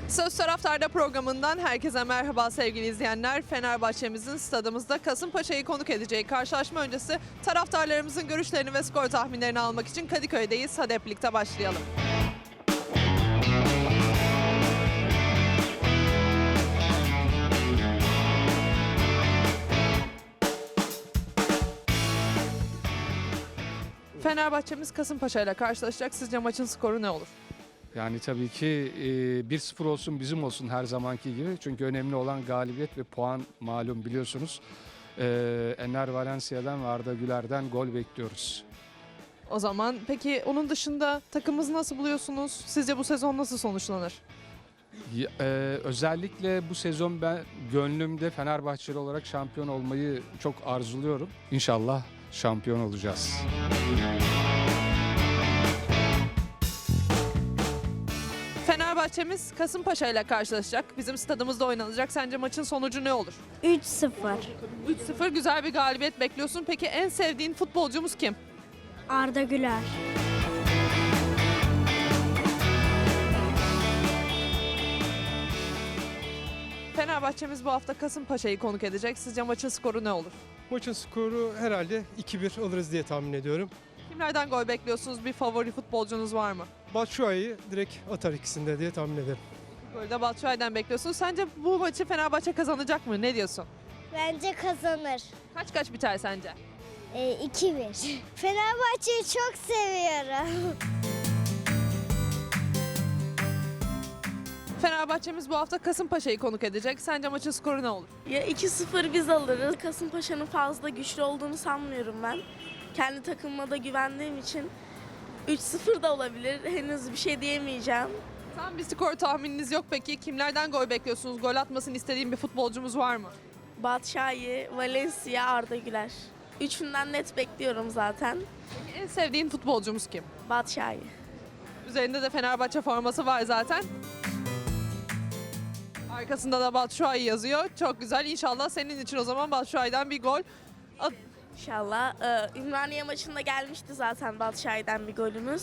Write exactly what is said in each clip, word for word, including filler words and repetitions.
Söz Taraftar'da programından herkese merhaba sevgili izleyenler. Fenerbahçe'mizin stadımızda Kasımpaşa'yı konuk edeceği karşılaşma öncesi taraftarlarımızın görüşlerini ve skor tahminlerini almak için Kadıköy'deyiz. Hadi hep birlikte başlayalım. Fenerbahçe'miz Kasımpaşa ile karşılaşacak. Sizce maçın skoru ne olur? Yani tabii ki e, bir sıfır olsun bizim olsun her zamanki gibi. Çünkü önemli olan galibiyet ve puan malum biliyorsunuz. E, Enner Valencia'dan ve Arda Güler'den gol bekliyoruz. O zaman peki onun dışında takımımızı nasıl buluyorsunuz? Sizce bu sezon nasıl sonuçlanır? Ya, e, özellikle bu sezon ben gönlümde Fenerbahçeli olarak şampiyon olmayı çok arzuluyorum. İnşallah şampiyon olacağız. Fenerbahçe'miz Kasımpaşa ile karşılaşacak. Bizim stadımızda oynanacak. Sence maçın sonucu ne olur? üç sıfır. üç sıfır güzel bir galibiyet bekliyorsun. Peki en sevdiğin futbolcumuz kim? Arda Güler. Fenerbahçe'miz bu hafta Kasımpaşa'yı konuk edecek. Sizce maçın skoru ne olur? Maçın skoru herhalde iki bir alırız diye tahmin ediyorum. Kimlerden gol bekliyorsunuz? Bir favori futbolcunuz var mı? Batshuayi direkt atar ikisinde diye tahmin ederim. Golde Batshuayi'den bekliyorsunuz. Sence bu maçı Fenerbahçe kazanacak mı? Ne diyorsun? Bence kazanır. Kaç kaç biter sence? E, iki bir. Fenerbahçe'yi çok seviyorum. Fenerbahçe'miz bu hafta Kasımpaşa'yı konuk edecek. Sence maçın skoru ne olur? Ya iki sıfır biz alırız. Kasımpaşa'nın fazla güçlü olduğunu sanmıyorum ben. Kendi takımıma da güvendiğim için üç sıfır da olabilir. Henüz bir şey diyemeyeceğim. Tam bir skor tahmininiz yok peki. Kimlerden gol bekliyorsunuz? Gol atmasını istediğin bir futbolcumuz var mı? Batshuayi, Valencia, Arda Güler. Üçünden net bekliyorum zaten. Peki en sevdiğin futbolcumuz kim? Batshuayi. Üzerinde de Fenerbahçe forması var zaten. Arkasında da Batshuayi yazıyor. Çok güzel. İnşallah senin için o zaman Batshuayi'den bir gol. At- İnşallah. Ee, Ümraniye maçında gelmişti zaten Batshuayi'den bir golümüz.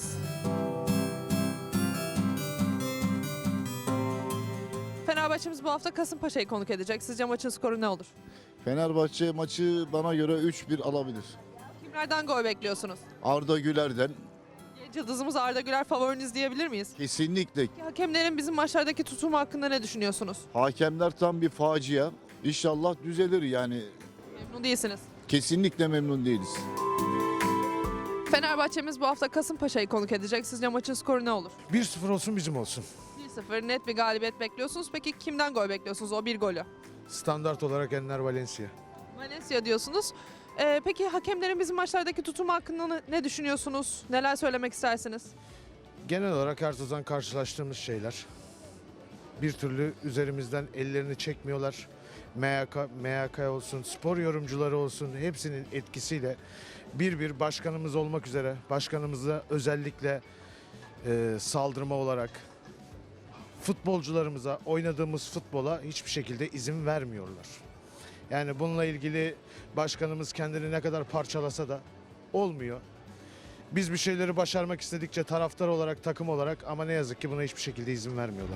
Fenerbahçe'miz bu hafta Kasımpaşa'yı konuk edecek. Sizce maçın skoru ne olur? Fenerbahçe maçı bana göre üç bir alabilir. Kimlerden gol bekliyorsunuz? Arda Güler'den Genç yıldızımız Arda Güler favoriniz diyebilir miyiz? kesinlikle. Hakemlerin bizim maçlardaki tutumu hakkında ne düşünüyorsunuz? Hakemler tam bir facia. İnşallah düzelir yani. Memnun değilsiniz. Kesinlikle memnun değiliz. Fenerbahçe'miz bu hafta Kasımpaşa'yı konuk edecek. Sizce maçın skoru ne olur? bir sıfır olsun bizim olsun. bir sıfır net bir galibiyet bekliyorsunuz. Peki kimden gol bekliyorsunuz o bir golü? Standart olarak Enner Valencia. Valencia diyorsunuz. Ee, peki hakemlerin bizim maçlardaki tutumu hakkında ne- ne düşünüyorsunuz? Neler söylemek istersiniz? Genel olarak her sezon karşılaştığımız şeyler. Bir türlü üzerimizden ellerini çekmiyorlar. M Y K, M Y K olsun, spor yorumcuları olsun hepsinin etkisiyle bir bir başkanımız olmak üzere başkanımıza özellikle e, saldırma olarak futbolcularımıza oynadığımız futbola hiçbir şekilde izin vermiyorlar. Yani bununla ilgili başkanımız kendini ne kadar parçalasa da olmuyor. Biz bir şeyleri başarmak istedikçe taraftar olarak, takım olarak ama ne yazık ki buna hiçbir şekilde izin vermiyorlar.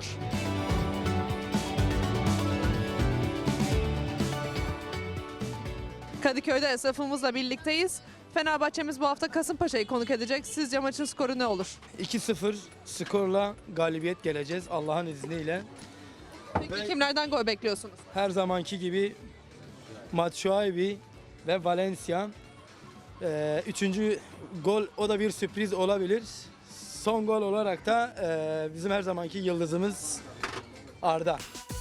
Kadıköy'de esnafımızla birlikteyiz. Fenerbahçe'miz bu hafta Kasımpaşa'yı konuk edecek. Sizce maçın skoru ne olur? iki sıfır skorla galibiyet geleceğiz Allah'ın izniyle. Peki Ben- kimlerden gol bekliyorsunuz? Her zamanki gibi Batshuayi ve Valencia. Ee, üçüncü gol o da bir sürpriz olabilir. Son gol olarak da e, bizim her zamanki yıldızımız Arda.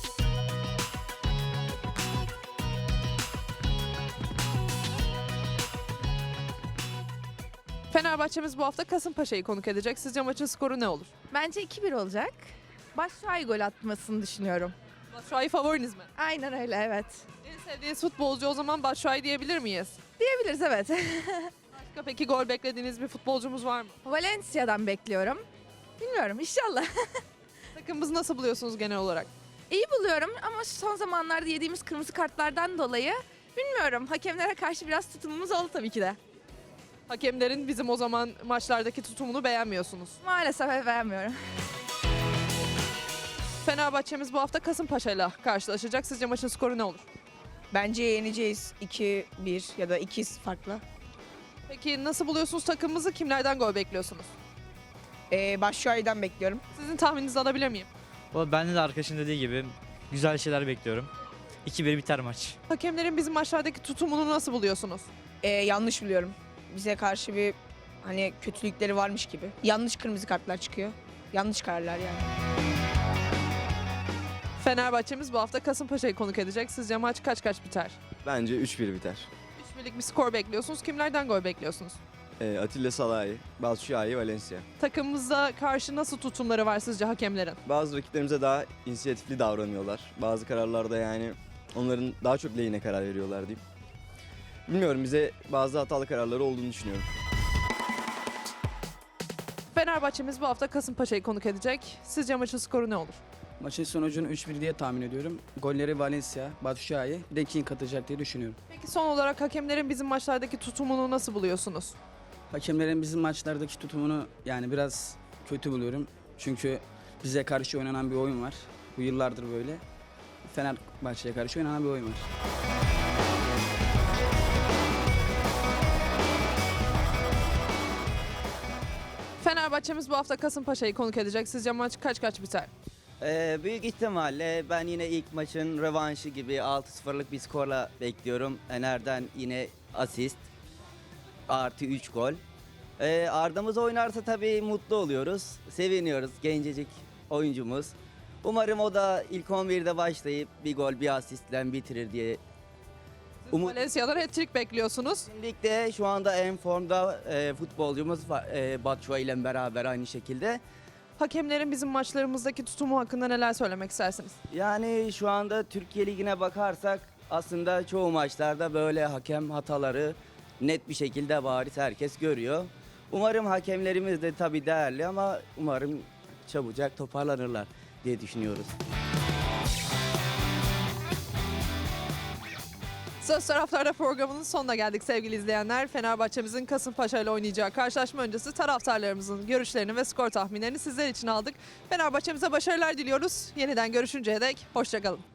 Fenerbahçe'miz bu hafta Kasımpaşa'yı konuk edecek. Sizce maçın skoru ne olur? Bence iki bir olacak. Batshuayi gol atmasını düşünüyorum. Batshuayi favoriniz mi? Aynen öyle, evet. En sevdiğiniz futbolcu o zaman Batshuayi diyebilir miyiz? Diyebiliriz, evet. Başka peki gol beklediğiniz bir futbolcumuz var mı? Valencia'dan bekliyorum. Bilmiyorum, inşallah. Takımımızı nasıl buluyorsunuz genel olarak? İyi buluyorum ama son zamanlarda yediğimiz kırmızı kartlardan dolayı bilmiyorum. Hakemlere karşı biraz tutumumuz oldu tabii ki de. Hakemlerin bizim o zaman maçlardaki tutumunu beğenmiyorsunuz. Maalesef beğenmiyorum. Fenerbahçe'miz bu hafta Kasımpaşa ile karşılaşacak. Sizce maçın skoru ne olur? Bence yeneceğiz iki bir ya da iki farkla. Peki nasıl buluyorsunuz takımımızı? Kimlerden gol bekliyorsunuz? Ee, Başşuay'dan bekliyorum. Sizin tahmininizi alabilir miyim? Valla ben de arkadaşın dediği gibi güzel şeyler bekliyorum. iki bir biter maç. Hakemlerin bizim maçlardaki tutumunu nasıl buluyorsunuz? Ee, yanlış biliyorum. Bize karşı bir hani kötülükleri varmış gibi. Yanlış kırmızı kartlar çıkıyor. Yanlış kararlar yani. Fenerbahçe'miz bu hafta Kasımpaşa'yı konuk edecek. Sizce maç kaç kaç biter? Bence üç bir biter. üç birlik bir skor bekliyorsunuz. Kimlerden gol bekliyorsunuz? Ee, Atilla Salahi, Batshuayi, Valencia. Takımımıza karşı nasıl tutumları var sizce hakemlerin? Bazı rakiplerimize daha inisiyatifli davranıyorlar. Bazı kararlarda yani onların daha çok lehine karar veriyorlar diyeyim. Bilmiyorum, bize bazı hatalı kararları olduğunu düşünüyorum. Fenerbahçe'miz bu hafta Kasımpaşa'yı konuk edecek. Sizce maçın skoru ne olur? Maçın sonucunu üç bir diye tahmin ediyorum. Golleri Valencia, Batshuayi, bir de King atacak diye düşünüyorum. Peki son olarak hakemlerin bizim maçlardaki tutumunu nasıl buluyorsunuz? Hakemlerin bizim maçlardaki tutumunu yani biraz kötü buluyorum. Çünkü bize karşı oynanan bir oyun var. Bu yıllardır böyle. Fenerbahçe'ye karşı oynanan bir oyun var. Fenerbahçe'miz bu hafta Kasımpaşa'yı konuk edecek. Sizce maç kaç kaç biter? Ee, büyük ihtimalle ben yine ilk maçın rövanşı gibi altı sıfırlık bir skorla bekliyorum. Ener'den yine asist artı üç gol. Ee, Arda'mız oynarsa tabii mutlu oluyoruz. Seviniyoruz, gencecik oyuncumuz. Umarım o da ilk on birde başlayıp bir gol bir asistle bitirir diye. Umut... Valencia'dan hat-trick bekliyorsunuz. Ligde şu anda en formda e, futbolcumuz var, e, Batshuayi ile beraber aynı şekilde. Hakemlerin bizim maçlarımızdaki tutumu hakkında neler söylemek istersiniz? Yani şu anda Türkiye Ligi'ne bakarsak aslında çoğu maçlarda böyle hakem hataları net bir şekilde bariz herkes görüyor. Umarım hakemlerimiz de tabii değerli ama umarım çabucak toparlanırlar diye düşünüyoruz. Söz Taraftar'da programının sonuna geldik sevgili izleyenler. Fenerbahçe'mizin Kasımpaşa ile oynayacağı karşılaşma öncesi taraftarlarımızın görüşlerini ve skor tahminlerini sizler için aldık. Fenerbahçe'mize başarılar diliyoruz. Yeniden görüşünceye dek hoşça kalın.